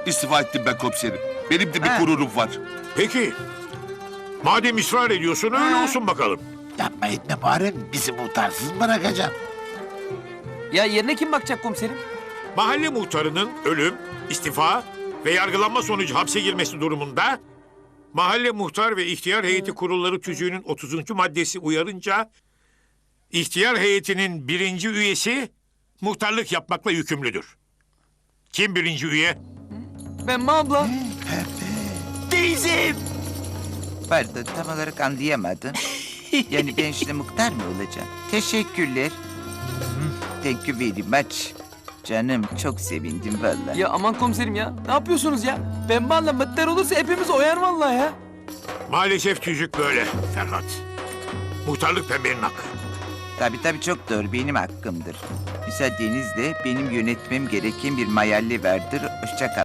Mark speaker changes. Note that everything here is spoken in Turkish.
Speaker 1: İstifa ettim ben komiserim. Benim de bir
Speaker 2: Ha.
Speaker 1: gururum var.
Speaker 3: Peki. Madem ısrar ediyorsun öyle olsun bakalım.
Speaker 4: Yapma etme Muharrem. Bizi muhtarsız bırakacaksın.
Speaker 2: Ya yerine kim bakacak komiserim?
Speaker 3: Mahalle muhtarının ölüm, istifa ve yargılanma sonucu hapse girmesi durumunda mahalle muhtar ve ihtiyar heyeti kurulları tüzüğünün 30. maddesi uyarınca ihtiyar heyetinin 1. üyesi muhtarlık yapmakla yükümlüdür. Kim 1. üye?
Speaker 2: Pembe abla.
Speaker 4: Teyzem.
Speaker 5: Pardon, tam olarak anlayamadım. Yani ben şimdi muhtar mı olacağım? Teşekkürler. Thank you very much. Canım, çok sevindim vallahi.
Speaker 2: Ya aman komiserim ya. Ne yapıyorsunuz ya? Pembe abla mıttar olursa hepimiz oyar vallahi ya.
Speaker 3: Maalesef tüzük böyle Ferhat. Muhtarlık pembenin hakkı.
Speaker 5: Tabii çok doğru, benim hakkımdır. Müsaadenizle benim yönetmem gereken bir mahalle vardır. Hoşça kal.